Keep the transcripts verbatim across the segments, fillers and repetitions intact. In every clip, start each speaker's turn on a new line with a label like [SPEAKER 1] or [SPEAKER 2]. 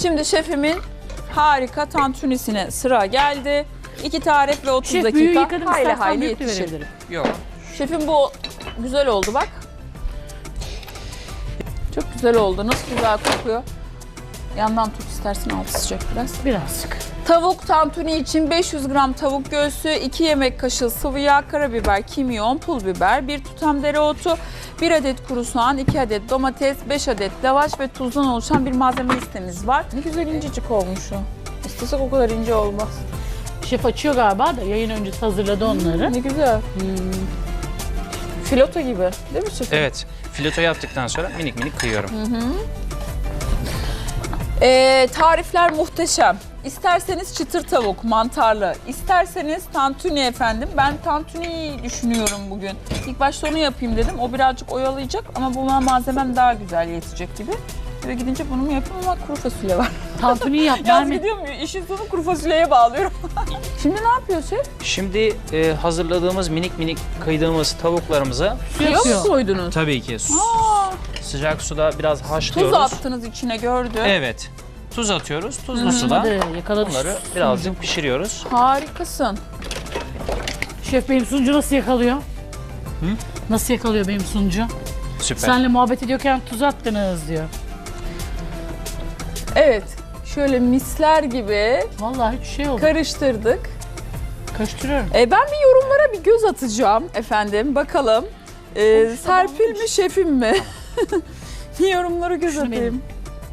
[SPEAKER 1] Şimdi şefimin harika tantunisine sıra geldi. iki tarif ve otuz
[SPEAKER 2] Şef büyüğü
[SPEAKER 1] dakika
[SPEAKER 2] yıkadım,
[SPEAKER 1] hayli
[SPEAKER 2] istersen
[SPEAKER 1] hayli
[SPEAKER 2] büyük de
[SPEAKER 1] yetişir.
[SPEAKER 2] verebilirim.
[SPEAKER 3] Yok.
[SPEAKER 1] Şefim bu güzel oldu bak. Çok güzel oldu. Nasıl güzel kokuyor. Yandan tut istersen, altı sıcak biraz.
[SPEAKER 2] Birazcık.
[SPEAKER 1] Tavuk tantuni için beş yüz gram tavuk göğsü, iki yemek kaşığı sıvı yağ, karabiber, kimyon, pul biber, bir tutam dereotu, bir adet kuru soğan, iki adet domates, beş adet lavaş ve tuzdan oluşan bir malzeme listemiz var. Ne güzel incecik olmuş o. İstesek o kadar ince olmaz.
[SPEAKER 2] Şef açıyor galiba da yayın öncesi hazırladı onları.
[SPEAKER 1] Ne güzel. Filoto gibi değil mi şefim?
[SPEAKER 3] Evet. Fileto yaptıktan sonra minik minik kıyıyorum.
[SPEAKER 1] Ee, tarifler muhteşem. İsterseniz çıtır tavuk, mantarlı, isterseniz tantuni efendim. Ben tantuniyi düşünüyorum bugün. İlk başta onu yapayım dedim. O birazcık oyalayacak ama buna malzemem daha güzel yetecek gibi. Eve gidince bunu mu yapayım ama kuru fasulye var.
[SPEAKER 2] Tantuniyi yap.
[SPEAKER 1] Yaz
[SPEAKER 2] verme.
[SPEAKER 1] gidiyorum, işin sonu kuru fasulyeye bağlıyorum. Şimdi ne yapıyor şef?
[SPEAKER 3] Şimdi e, hazırladığımız minik minik kıydığımız tavuklarımızı
[SPEAKER 1] Suya mı
[SPEAKER 2] Yapıyor.
[SPEAKER 1] koydunuz?
[SPEAKER 3] tabii ki su-
[SPEAKER 1] Aa,
[SPEAKER 3] sıcak suda biraz
[SPEAKER 1] tuz
[SPEAKER 3] haşlıyoruz.
[SPEAKER 1] attınız içine gördüm.
[SPEAKER 3] Evet. Tuz atıyoruz. Tuzlu suda
[SPEAKER 2] Hadi yakaladık.
[SPEAKER 3] bunları birazcık pişiriyoruz.
[SPEAKER 1] Harikasın.
[SPEAKER 2] Şef benim sunucu nasıl yakalıyor? Hı? Nasıl yakalıyor benim sunucu?
[SPEAKER 3] Süper.
[SPEAKER 2] Senle muhabbet ediyorken tuz attınız diyor.
[SPEAKER 1] Evet, şöyle misler gibi
[SPEAKER 2] Vallahi hiç şey oldu.
[SPEAKER 1] karıştırdık.
[SPEAKER 2] Karıştırıyorum.
[SPEAKER 1] E, ben bir yorumlara bir göz atacağım efendim. Bakalım. E,
[SPEAKER 2] Olmuş,
[SPEAKER 1] Serpil
[SPEAKER 2] olmuş.
[SPEAKER 1] mi, şefim mi? Bir yorumlara göz
[SPEAKER 2] Şunu
[SPEAKER 1] atayım.
[SPEAKER 2] benim.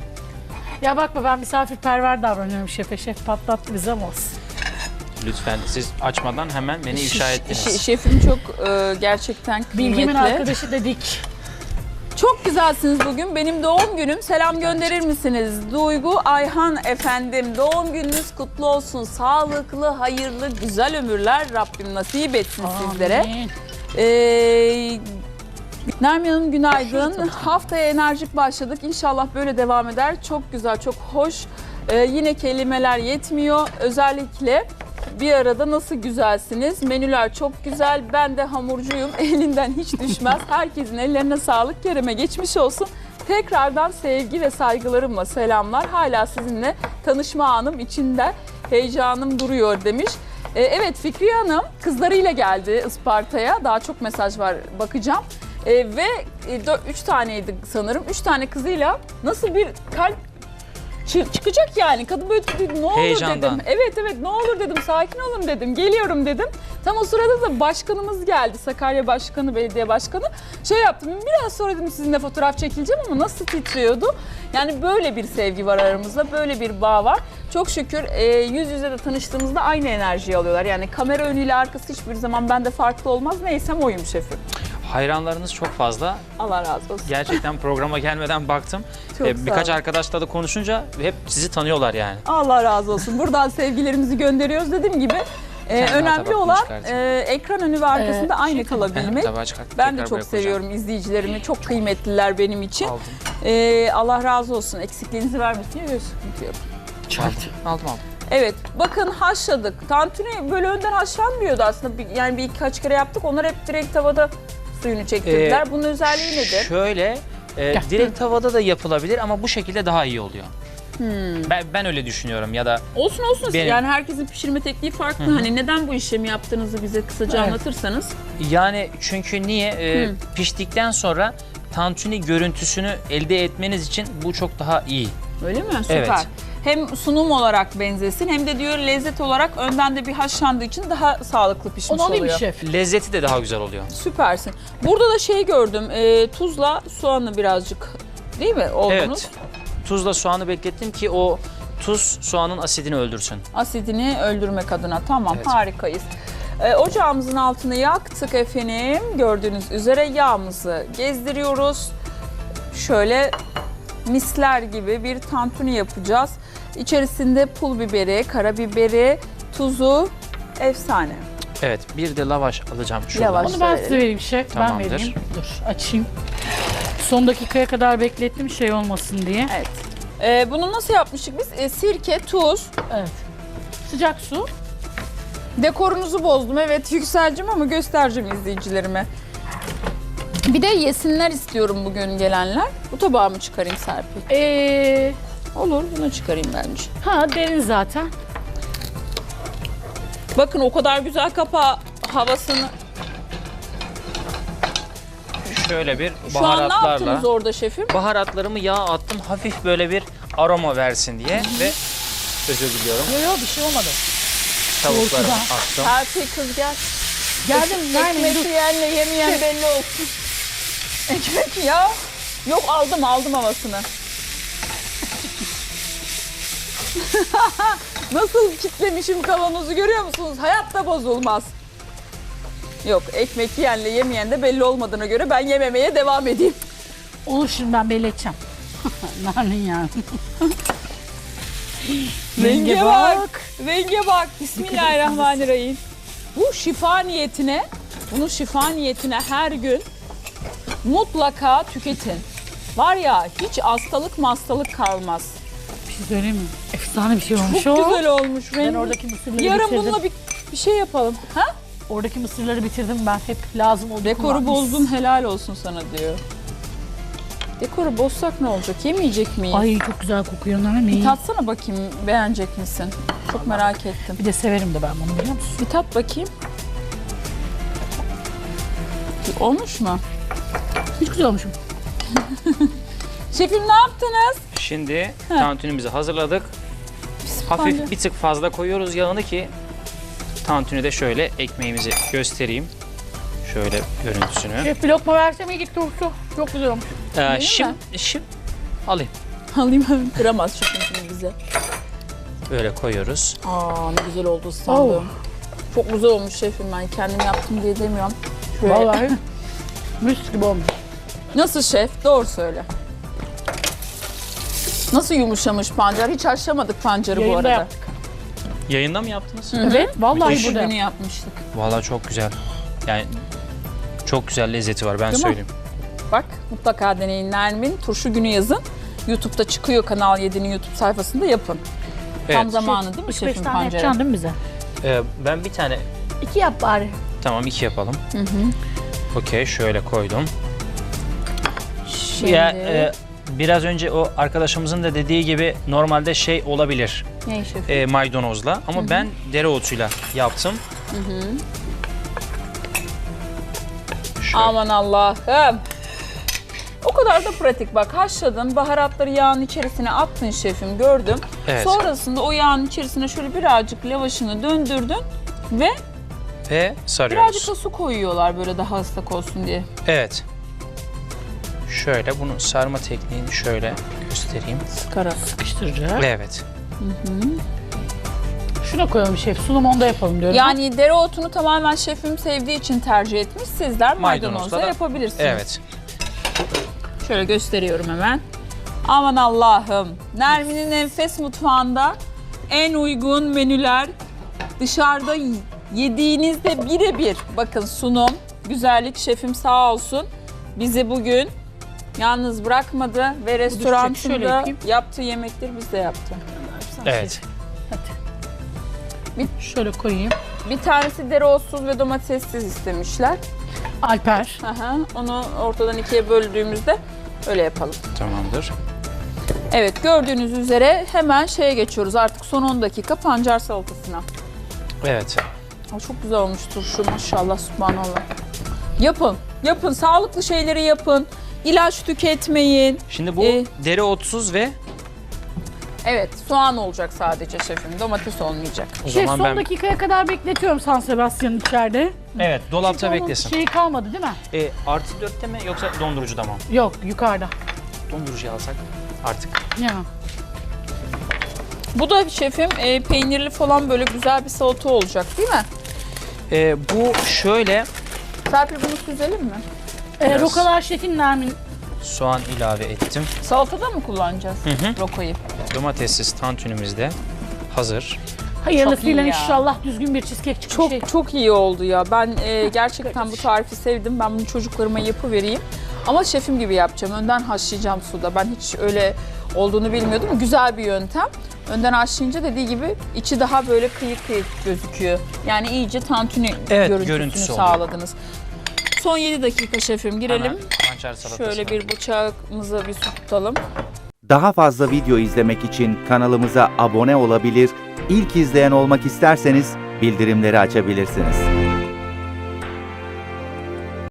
[SPEAKER 2] Ya bakma ben misafirperver davranıyorum şefe. Şef patlattı bize ama olsun.
[SPEAKER 3] Lütfen siz açmadan hemen beni ifşa ettiniz.
[SPEAKER 1] Şe- şefim çok e, gerçekten kıymetli.
[SPEAKER 2] Bilgimin arkadaşı dedik.
[SPEAKER 1] Çok güzelsiniz bugün. Benim doğum günüm. Selam gönderir misiniz? Duygu Ayhan efendim. Doğum gününüz kutlu olsun. Sağlıklı, hayırlı, güzel ömürler Rabbim nasip etsin sizlere.
[SPEAKER 2] Amin.
[SPEAKER 1] Ee, Nermin Hanım günaydın. Haftaya enerjik başladık. İnşallah böyle devam eder. Çok güzel, çok hoş. Ee, yine kelimeler yetmiyor. Özellikle bir arada nasıl güzelsiniz. Menüler çok güzel. Ben de hamurcuyum. Elinden hiç düşmez. Herkesin ellerine sağlık. Kerem'e geçmiş olsun. Tekrardan sevgi ve saygılarımla selamlar. Hala sizinle tanışma anım içinde heyecanım duruyor demiş. Ee, evet Fikriye Hanım kızlarıyla geldi Isparta'ya. Daha çok mesaj var, bakacağım. Ee, ve e, dö- üç taneydi sanırım. Üç tane kızıyla nasıl bir kalp çı- çıkacak yani. Kadın böyle dedi, ne olur
[SPEAKER 3] Heyecandan.
[SPEAKER 1] dedim. Evet evet ne olur dedim, sakin olun dedim. Geliyorum dedim. Tam o sırada da başkanımız geldi. Sakarya Başkanı, belediye başkanı. Şey yaptım, biraz sonra dedim sizinle fotoğraf çekileceğim ama nasıl titriyordu. Yani böyle bir sevgi var aramızda, böyle bir bağ var. Çok şükür e, yüz yüze de tanıştığımızda aynı enerjiyi alıyorlar. Yani kamera önüyle arkası hiçbir zaman bende farklı olmaz. Neysem oyum şefim.
[SPEAKER 3] Hayranlarınız çok fazla.
[SPEAKER 1] Allah razı olsun.
[SPEAKER 3] Gerçekten programa gelmeden baktım.
[SPEAKER 1] Çok
[SPEAKER 3] Ee,
[SPEAKER 1] sağ
[SPEAKER 3] birkaç
[SPEAKER 1] olun.
[SPEAKER 3] arkadaşla da konuşunca hep sizi tanıyorlar yani.
[SPEAKER 1] Allah razı olsun. Buradan sevgilerimizi gönderiyoruz. Dediğim gibi e,
[SPEAKER 3] Sen daha
[SPEAKER 1] önemli
[SPEAKER 3] tabak
[SPEAKER 1] olan
[SPEAKER 3] çıkartın.
[SPEAKER 1] e, ekran önü ve arkasında
[SPEAKER 2] Ee,
[SPEAKER 1] aynı
[SPEAKER 2] şey-
[SPEAKER 1] kalabilmek.
[SPEAKER 3] Tabağı çıkartıp
[SPEAKER 1] Ben de
[SPEAKER 3] tekrar
[SPEAKER 1] çok
[SPEAKER 3] buraya koyacağım.
[SPEAKER 1] seviyorum izleyicilerimi. Çok kıymetliler benim için.
[SPEAKER 3] Aldım.
[SPEAKER 1] E, Allah razı olsun. Eksikliğinizi vermesin. Yok, sıkıntı yok.
[SPEAKER 3] Aldım. Aldım aldım.
[SPEAKER 1] Evet, bakın haşladık. Tantuni böyle önden haşlanmıyordu aslında. Bir- Yani birkaç kere yaptık. Onlar hep direkt tavada suyunu çektirdiler.
[SPEAKER 3] Ee,
[SPEAKER 1] Bunun özelliği nedir?
[SPEAKER 3] Şöyle, e,
[SPEAKER 2] Gel.
[SPEAKER 3] direkt tavada da yapılabilir ama bu şekilde daha iyi oluyor.
[SPEAKER 1] Hmm.
[SPEAKER 3] Ben, ben öyle düşünüyorum ya da
[SPEAKER 1] Olsun olsun.
[SPEAKER 3] Benim-
[SPEAKER 1] Yani herkesin pişirme tekniği farklı. Hani neden bu işlemi yaptığınızı bize kısaca
[SPEAKER 2] Evet.
[SPEAKER 1] anlatırsanız.
[SPEAKER 3] yani çünkü niye e,
[SPEAKER 1] Hı.
[SPEAKER 3] piştikten sonra tantuni görüntüsünü elde etmeniz için bu çok daha iyi.
[SPEAKER 1] Öyle mi? Süper.
[SPEAKER 3] Evet.
[SPEAKER 1] Hem sunum olarak benzesin hem de diyor lezzet olarak önden de bir haşlandığı için daha sağlıklı pişmiş
[SPEAKER 2] Onu alayım
[SPEAKER 1] oluyor.
[SPEAKER 2] şef.
[SPEAKER 3] Lezzeti de daha güzel oluyor.
[SPEAKER 1] Süpersin. Burada da şey gördüm. E, tuzla soğanı birazcık değil mi oldunuz?
[SPEAKER 3] Evet. Tuzla soğanı beklettim ki o tuz soğanın asidini öldürsün.
[SPEAKER 1] Asidini öldürmek adına. Tamam,
[SPEAKER 3] Evet.
[SPEAKER 1] harikayız. E, ocağımızın altını yaktık efendim. Gördüğünüz üzere yağımızı gezdiriyoruz. Şöyle misler gibi bir tantuni yapacağız. İçerisinde pul biberi, karabiberi, tuzu, efsane.
[SPEAKER 3] Evet, bir de lavaş alacağım şuradan.
[SPEAKER 1] Lavaş.
[SPEAKER 2] Onu ben size vereyim şef.
[SPEAKER 3] Tamamdır.
[SPEAKER 2] Ben vereyim. Dur açayım. Son dakikaya kadar beklettim şey olmasın diye.
[SPEAKER 1] Evet. E, bunu nasıl yapmıştık biz? E, sirke, tuz.
[SPEAKER 2] Evet. Sıcak su.
[SPEAKER 1] Dekorunuzu bozdum. Evet Yükselcim ama göstereceğim izleyicilerime. Bir de yesinler istiyorum bugün gelenler. Bu tabağı mı çıkarayım Serpil?
[SPEAKER 2] Ee,
[SPEAKER 1] Olur, bunu çıkarayım bence.
[SPEAKER 2] Ha derin zaten.
[SPEAKER 1] Bakın o kadar güzel kapağı havasını.
[SPEAKER 3] Şöyle bir
[SPEAKER 1] Şu an ne
[SPEAKER 3] baharatlarla.
[SPEAKER 1] yaptınız orada şefim?
[SPEAKER 3] Baharatlarımı yağa attım. Hafif böyle bir aroma versin diye ve özür diliyorum.
[SPEAKER 2] Yok yok bir şey olmadı.
[SPEAKER 3] Tavuklarımı
[SPEAKER 2] Korkudan.
[SPEAKER 3] attım.
[SPEAKER 1] Serpil kız gel.
[SPEAKER 2] Geldim Nermin
[SPEAKER 1] Ekmek
[SPEAKER 2] dur.
[SPEAKER 1] yiyenle yemeyen belli olsun. Ekmek ya. Yok aldım aldım havasını. Nasıl kitlemişim kavanozu görüyor musunuz? Hayatta bozulmaz. Yok ekmek yiyenle yemeyen de belli olmadığına göre ben yememeye devam edeyim.
[SPEAKER 2] Olur şimdi ben belli edeceğim. Nermin yani.
[SPEAKER 1] Renge bak. Renge bak. Bismillahirrahmanirrahim. Bu şifa niyetine, bunu şifa niyetine her gün mutlaka tüketin. Var ya hiç hastalık hastalık kalmaz.
[SPEAKER 2] Bir şey söyleyeyim mi? Efsane bir şey olmuş
[SPEAKER 1] Çok
[SPEAKER 2] o.
[SPEAKER 1] güzel olmuş.
[SPEAKER 2] Ben
[SPEAKER 1] Rengi.
[SPEAKER 2] oradaki mısırları
[SPEAKER 1] Yarın
[SPEAKER 2] bitirdim.
[SPEAKER 1] bununla bir, bir şey yapalım. Ha?
[SPEAKER 2] Oradaki mısırları bitirdim ben. Hep lazım oldu.
[SPEAKER 1] Dekoru
[SPEAKER 2] kullanmış.
[SPEAKER 1] bozdun helal olsun sana diyor. Dekoru bozsak ne olacak? Yemeyecek miyiz?
[SPEAKER 2] Ay çok güzel kokuyor Nermin.
[SPEAKER 1] Bir tatsana bakayım beğenecek misin? Çok merak ettim.
[SPEAKER 2] Bir de severim de ben bunu biliyor musun?
[SPEAKER 1] Bir tat bakayım. Olmuş mu?
[SPEAKER 2] Hiç güzel olmuşum.
[SPEAKER 1] Şefim ne yaptınız?
[SPEAKER 3] Şimdi tantunimizi hazırladık. Hafif
[SPEAKER 1] Bence-
[SPEAKER 3] bir tık fazla koyuyoruz yağını ki tantuni de şöyle ekmeğimizi göstereyim. Şöyle görüntüsünü.
[SPEAKER 2] Şef bir lokma versem iyi gitti Ursu. Çok güzel olmuş.
[SPEAKER 3] Ee, şimdi, şimdi alayım.
[SPEAKER 1] Alayım hemen. Kıramaz şefim şimdi bize.
[SPEAKER 3] Böyle koyuyoruz.
[SPEAKER 1] Aa ne güzel oldu sandım. Çok güzel olmuş şefim ben kendim yaptım diye demiyorum. Şöyle.
[SPEAKER 2] Vallahi mis gibi olmuş.
[SPEAKER 1] Nasıl şef? Doğru söyle. Nasıl yumuşamış pancar? Hiç haşlamadık pancarı bu
[SPEAKER 2] Yayında
[SPEAKER 1] arada.
[SPEAKER 2] yaptık.
[SPEAKER 3] Yayında mı yaptınız?
[SPEAKER 2] Evet vallahi
[SPEAKER 3] Müthiş.
[SPEAKER 2] burada.
[SPEAKER 1] Günü yapmıştık.
[SPEAKER 3] Vallahi çok güzel. Yani çok güzel lezzeti var ben
[SPEAKER 1] Değil mi?
[SPEAKER 3] söyleyeyim.
[SPEAKER 1] Bak mutlaka deneyin Nermin. Turşu günü yazın. YouTube'da çıkıyor Kanal yedi'nin YouTube sayfasında yapın. Tam
[SPEAKER 3] Evet.
[SPEAKER 1] zamanı değil mi
[SPEAKER 2] Üç beş
[SPEAKER 1] şefim
[SPEAKER 2] tane
[SPEAKER 1] pancarı?
[SPEAKER 2] yapacaksın değil mi bize?
[SPEAKER 3] Ee, ben bir tane
[SPEAKER 2] İki yap bari.
[SPEAKER 3] tamam iki yapalım. Okey şöyle koydum.
[SPEAKER 1] Şimdi...
[SPEAKER 3] Ya e, biraz önce o arkadaşımızın da dediği gibi normalde şey olabilir
[SPEAKER 1] Ne şefim?
[SPEAKER 3] e, maydanozla ama ben dereotuyla yaptım. Şöyle.
[SPEAKER 1] Aman Allah'ım. O kadar da pratik bak. Haşladın, baharatları yağın içerisine attın şefim gördüm.
[SPEAKER 3] Evet.
[SPEAKER 1] Sonrasında o yağın içerisine şöyle birazcık lavaşını döndürdün ve
[SPEAKER 3] Ve sarıyoruz.
[SPEAKER 1] birazcık da su koyuyorlar böyle daha ıslak olsun diye.
[SPEAKER 3] Evet. Şöyle bunu sarma tekniğini şöyle göstereyim.
[SPEAKER 1] Sıkarak.
[SPEAKER 2] Sıkıştıracak.
[SPEAKER 3] Evet.
[SPEAKER 2] Şuna koyalım şef. Sunum onda yapalım diyorum.
[SPEAKER 1] Yani dereotunu tamamen şefim sevdiği için tercih etmiş. Sizler
[SPEAKER 3] Maydanozla
[SPEAKER 1] maydanozla
[SPEAKER 3] da-
[SPEAKER 1] yapabilirsiniz.
[SPEAKER 3] Evet.
[SPEAKER 1] Şöyle gösteriyorum hemen. Aman Allah'ım. Nermin'in enfes mutfağında en uygun menüler dışarıda yediğinizde birebir. Bakın sunum, güzellik şefim sağ olsun. Bizi bugün yalnız bırakmadı ve
[SPEAKER 2] şöyle
[SPEAKER 1] restoranında
[SPEAKER 2] yapayım.
[SPEAKER 1] yaptığı yemekleri biz de yaptı.
[SPEAKER 3] Evet.
[SPEAKER 2] Şöyle koyayım.
[SPEAKER 1] Bir tanesi dereotsuz ve domatessiz istemişler.
[SPEAKER 2] Alper.
[SPEAKER 1] Aha, onu ortadan ikiye böldüğümüzde öyle yapalım.
[SPEAKER 3] Tamamdır.
[SPEAKER 1] Evet gördüğünüz üzere hemen şeye geçiyoruz artık son on dakika pancar salatasına.
[SPEAKER 3] Evet.
[SPEAKER 1] Aa, çok güzel olmuştur şu maşallah subhanallah. Yapın, yapın sağlıklı şeyleri yapın. İlaç tüketmeyin.
[SPEAKER 3] Şimdi bu
[SPEAKER 1] Ee,
[SPEAKER 3] dereotsuz ve
[SPEAKER 1] Evet soğan olacak sadece şefim domates olmayacak.
[SPEAKER 3] o
[SPEAKER 2] Şef
[SPEAKER 3] zaman
[SPEAKER 2] son
[SPEAKER 3] ben
[SPEAKER 2] dakikaya kadar bekletiyorum San Sebastian'ın içeride.
[SPEAKER 3] evet dolapta
[SPEAKER 2] Çünkü onun
[SPEAKER 3] beklesin.
[SPEAKER 2] şeyi kalmadı değil mi?
[SPEAKER 3] E, artı dörtte mi yoksa dondurucuda mı?
[SPEAKER 2] Yok yukarıda.
[SPEAKER 3] Dondurucuya alsak artık.
[SPEAKER 2] Ya.
[SPEAKER 1] Bu da şefim e, peynirli falan böyle güzel bir salata olacak değil mi?
[SPEAKER 3] E, bu şöyle
[SPEAKER 1] Serpil bunu süzelim mi?
[SPEAKER 2] Ee,
[SPEAKER 3] Biraz.
[SPEAKER 2] Rokalar şefin Nermin.
[SPEAKER 3] soğan ilave ettim.
[SPEAKER 1] Salatada mı kullanacağız
[SPEAKER 3] Hı hı.
[SPEAKER 1] rokoyu?
[SPEAKER 3] Domatessiz tantunimiz de hazır.
[SPEAKER 2] Hayırlısıyla
[SPEAKER 1] Çok iyi ya.
[SPEAKER 2] inşallah düzgün bir cheesecake çıkmış.
[SPEAKER 1] Çok
[SPEAKER 2] Şey.
[SPEAKER 1] çok iyi oldu ya. Ben e, gerçekten bu tarifi sevdim. Ben bunu çocuklarıma yapıvereyim. Ama şefim gibi yapacağım. Önden haşlayacağım suda. Ben hiç öyle olduğunu bilmiyordum. Güzel bir yöntem. Önden haşlayınca dediği gibi içi daha böyle kıyık kıyık gözüküyor. Yani iyice tantuni
[SPEAKER 3] Evet,
[SPEAKER 1] görüntüsünü
[SPEAKER 3] görüntüsü oluyor.
[SPEAKER 1] sağladınız. Son yedi dakika şefim girelim.
[SPEAKER 3] Hemen pancar salatasına.
[SPEAKER 1] Şöyle bir bıçağımıza bir su tutalım.
[SPEAKER 4] Daha fazla video izlemek için kanalımıza abone olabilir, ilk izleyen olmak isterseniz bildirimleri açabilirsiniz.